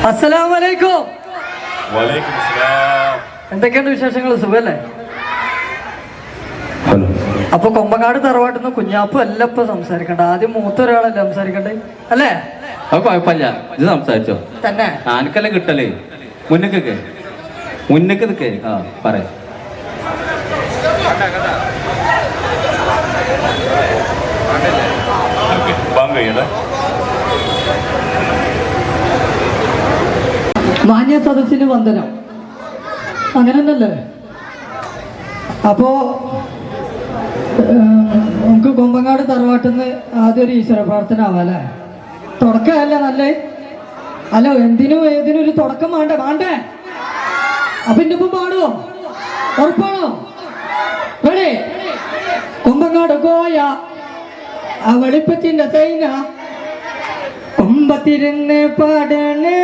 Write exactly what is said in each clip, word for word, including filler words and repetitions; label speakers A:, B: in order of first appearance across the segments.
A: അസ്സലാമു അലൈക്കും.
B: വലൈക്കും സലാം.
A: എന്തൊക്കെയുണ്ട് വിശേഷങ്ങൾ? സുഖല്ലേ? അപ്പൊ കൊമ്പങ്ങാട് തറവാട്ടിൽ നിന്ന് കുഞ്ഞാപ്പ് അല്ല ഇപ്പൊ സംസാരിക്കണ്ട, ആദ്യം മൂത്ത ഒരാളല്ലേ സംസാരിക്കണ്ടേ അല്ലേ?
C: അത് കുഴപ്പമില്ല, ഇത് സംസാരിച്ചോ
A: തന്നെ.
C: ആനക്കല്ലേ കിട്ടലേ. മുന്നേക്കൊക്കെ മുന്നേക്ക് നിൽക്കേ. ആ പറയാം.
A: മാന്യ സദസ്സിന് വന്ദനം. അങ്ങനെ തന്നെയല്ലേ? അപ്പോ നമുക്ക് കൊമ്പങ്ങാട് തറവാട്ടിൽ നിന്ന് ആദ്യം ഒരു ഈശ്വര പ്രാർത്ഥന ആവാല്ലേ? തുടക്കമല്ലേ നല്ലേ? അല്ല, എന്തിനും ഏതിനും ഒരു തുടക്കം വേണ്ടേ വേണ്ടേ? അപ്പൊ എന്റെ ഒപ്പം പാടുവോ? ഉറപ്പാണോ? റെഡി? കൊമ്പങ്ങാട് കോയ ആ വെളുപ്പത്തിന്റെ സൈന കൊമ്പത്തിരുന്ന് പാടണേ.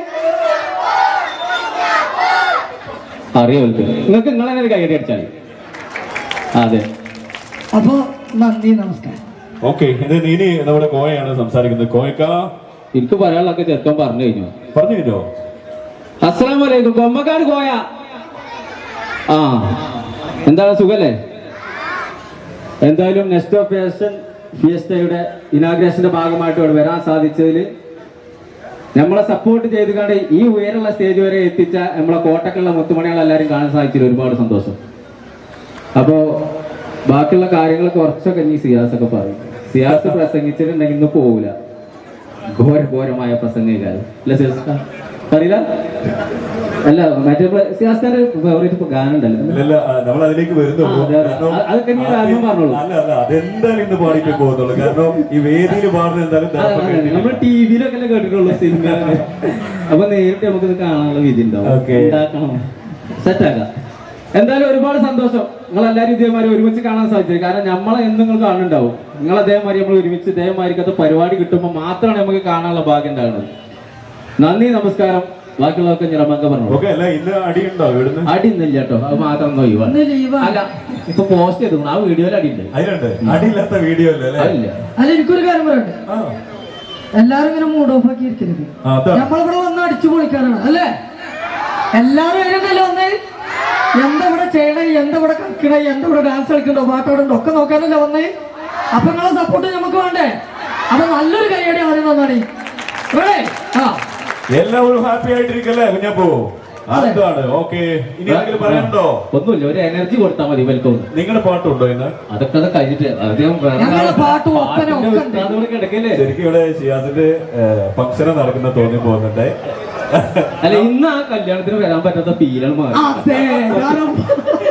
C: അറിയോ നിങ്ങൾക്ക്? നിങ്ങൾ തന്നെ ഒരു കൈയടി അടിച്ചാൽ. അതെ.
A: അപ്പൊ നന്ദി, നമസ്കാരം.
B: ഓക്കെ, ഇത് ഇനി നമ്മുടെ കോയയാണ് സംസാരിക്കുന്നത്. കോയക്ക,
C: എനിക്ക് പറയാനുള്ളതൊക്കെ ചെറുക്കം പറഞ്ഞു കഴിഞ്ഞു.
B: പറഞ്ഞു കഴിഞ്ഞോ?
C: അസ്സലാമു അലൈക്കും. കൊമ്പക്കാട് കോയ. ആ, എന്താണ് സുഖല്ലേ? എന്തായാലും നെക്സ്റ്റ് ഓഫ് ഫാഷൻ ഫിയസ്റ്റയുടെ ഇനാഗ്രേഷന്റെ ഭാഗമായിട്ട് ഇവിടെ വരാൻ സാധിച്ചതിൽ നമ്മളെ സപ്പോർട്ട് ചെയ്ത് കണ്ട് ഈ ഉയരമുള്ള സ്റ്റേജ് വരെ എത്തിച്ച നമ്മളെ കോട്ടക്കുള്ള മുത്തുമണികളെല്ലാവരും കാണാൻ സാധിച്ചതിൽ ഒരുപാട് സന്തോഷം. അപ്പോ ബാക്കിയുള്ള കാര്യങ്ങൾ കുറച്ചൊക്കെ ഇനി സിയാസൊക്കെ പറയും. സിയാസ് പ്രസംഗിച്ചിട്ടുണ്ടെങ്കിൽ ഇന്ന് പോവില്ല. ഘോര ഘോരമായ പ്രസംഗിക്കാരും അല്ല സിയാസ് അറിയില്ല. അല്ല, മറ്റേ സിയാസിന്റെ ഫേവറേറ്റ് ഗാനം ഉണ്ടല്ലോ,
B: നമ്മൾ അതിലേക്ക് വരുന്നുള്ളൂ.
C: അതൊക്കെ നീ കാരണം പറഞ്ഞോളൂ.
B: അല്ല അല്ല അതെന്തായാലും ഇന്ന് പാടിയിട്ട് പോകുന്നുള്ളൂ. കാരണം ഈ വേദിയിൽ പാടുന്ന എന്തായാലും
C: നമ്മൾ ടി വിയിലൊക്കെ അല്ലേ കേട്ടിട്ടുള്ളൂ സിനിമ. അപ്പൊ നേരിട്ട് നമുക്കിത് കാണാനുള്ള വിധി ഉണ്ടാവും. ഉണ്ടാക്കണം, സെറ്റാക്കാം. എന്തായാലും ഒരുപാട് സന്തോഷം നിങ്ങൾ എല്ലാവരും ഇതേമാതിരി ഒരുമിച്ച് കാണാൻ സാധിച്ചത്. കാരണം നമ്മളെ എന്നും നിങ്ങൾ കാണുന്നുണ്ടാവും. നിങ്ങൾ അതേമാതിരി നമ്മൾ ഒരുമിച്ച് ഇതേമാതിരിക്കത്തെ പരിപാടി കിട്ടുമ്പോൾ മാത്രമാണ് നമുക്ക് കാണാനുള്ള ഭാഗ്യം ഉണ്ടാകുന്നത്. നന്ദി, നമസ്കാരം. ബാക്കിയുള്ളതൊക്കെ ഞമ്മക്ക പറഞ്ഞു. അടി ഇന്നില്ല കേട്ടോ, അത് മാത്രം അല്ല. ഇപ്പൊ പോസ്റ്റ് ചെയ്തു ആ വീഡിയോയിൽ അടിയുണ്ട്.
B: അടിയില്ലാത്ത വീഡിയോ
A: അല്ല. എനിക്കൊരു കാര്യം പറയട്ടെ, എല്ലാരും ഇങ്ങനെ മൂഡ് ഓഫ് ആക്കി ഇരിക്കരുത്. നമ്മളിവിടെ വന്ന് അടിച്ചു പൊളിക്കാനാണ് അല്ലേ? എല്ലാരും അതിനല്ലേ വന്നേ? എന്താ ഇവിടെ ചെയ്യണേ, എന്താ ഇവിടെ കളിക്കണേ, എന്താ ഇവിടെ ഡാൻസ് കളിക്കണ്ടോ, പാട്ടോടുണ്ടോ ഒക്കെ നോക്കാനല്ലേ വന്നേ? അപ്പൊ നിങ്ങളെ സപ്പോർട്ട് നമുക്ക് വേണ്ടേ? അപ്പൊ നല്ലൊരു കൈയടി ആദ്യം തന്നാണ്. ആ,
B: എല്ലാവരും ഹാപ്പി ആയിട്ടിരിക്കല്ലേ കുഞ്ഞപ്പോ? അതാണ്. ഓക്കെ, ഇനി ആരെങ്കിലും പറയാനുണ്ടോ?
C: ഒന്നുമില്ല, ഒരു എനർജി കൊടുത്താൽ മതി. വെൽക്കം.
B: നിങ്ങളുടെ പാട്ടുണ്ടോ ഇന്ന്?
C: അതൊക്കെ അത് കഴിഞ്ഞിട്ട് കിടക്കല്ലേ.
B: ശരിക്കും ഇവിടെ ഷിയാസിന്റെ ഫംഗ്ഷൻ നടക്കുന്ന തോന്നി പോകുന്നുണ്ട്.
C: അല്ല, ഇന്ന് ആ കല്യാണത്തിന് വരാൻ പറ്റാത്ത ഫീലാണ് മാറി.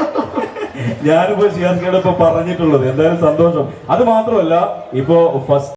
B: ഞാനിപ്പോ ഷിയാസിനോട് ഇപ്പൊ പറഞ്ഞിട്ടുള്ളത് എന്തായാലും സന്തോഷം. അത് മാത്രമല്ല, ഇപ്പോ ഫസ്റ്റ്